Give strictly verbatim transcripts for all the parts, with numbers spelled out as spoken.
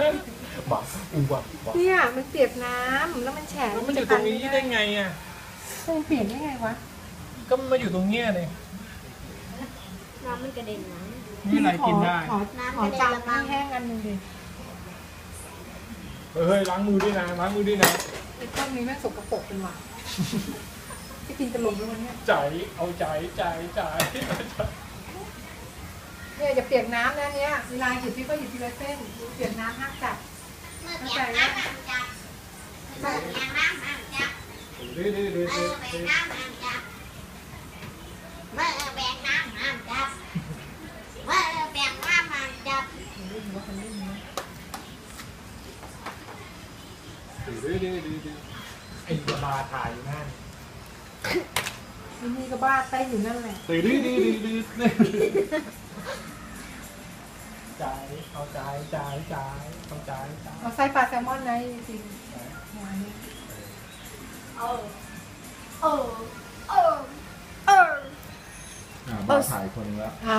หมาอือว่ะเนี่ยมันเปียกน้ำแล้วมันแฉะแล้วมันอยู่ตรงนี้ได้ไงอ่ะมันเปียกได้ไงวะก็มันมาอยู่ตรงเนี้ยเลยน้ำมันกระเด็นนะนี่อะไรกินได้ขอขอจานน้ำแห้งอันหนึงดิเฮ้ยล้างมือด้วยนะล้างมือด้วยนะไอ้พวกนี้แม่งสกปรกเป็นว่ะจะกินตลกด้วยวันเนี้ยใจเอาใจใจใจเนี่ยอย่าเปียกน้ำนะเนี้ยเวลาหยิบพี่ก็หยิบทีละเส้นเปียกน้ำห้ามจับเมื่อแบกน้ำมันจับเมื่อแบกน้ำมันจับดื้อดื้อดื้อเมื่ดื้ออแบกน้ำมันจับเมื่อแบกน้ำมันจับเมื่อแบกน้ำมันจับดื้อดื้อดื้อดื้อไอ้บาถ่ายอยู่นั่นที่นี่ก็บ้าเต้นอยู่นั่นแหละดื้อดื้อดื้อดื้อดื้อใจเอาใจใจใจเอาใจใจเอาไส้ปลาแซลมอนนะจริงๆงานนี้เออเออเออเอออ่าบ้าถ่ายคนละเอา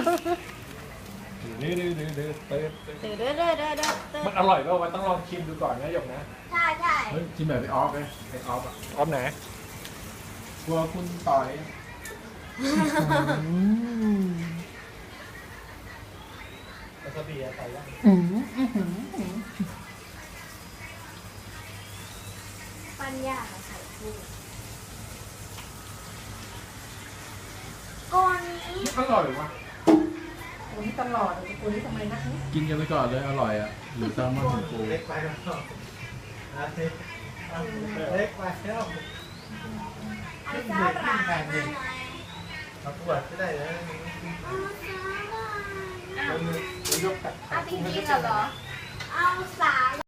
ดื้อดื้อดื้อดื้อดื้อดื้อเด้อเด้อเด้อเด้อเด้อเด้อมันอร่อยก็มันต้องลองชิมดูก่อนนะหยกนะใช่ใช่เฮ้ยชิมแบบไอออฟเลยไอออฟอ่ะออมไหนกลัวคุณต่อยวาซาบิใส่ยังอืมอื้อหืออื้อหือปัญญาไข่กุ้งก้อนนี้อร่อยว่ะโอ้ยตลอดเลยตัวนี้ทำไมนักนี้กินกันไปก่อนเลยอร่อยอ่ะหรือแซลมอนของกูเล็กไปแล้วเล็กไปแล้วเอาซาบะมาหน่อยเอาขวดก็ได้นะเอาซาบะมันยกตักเอาจริงๆเหรอ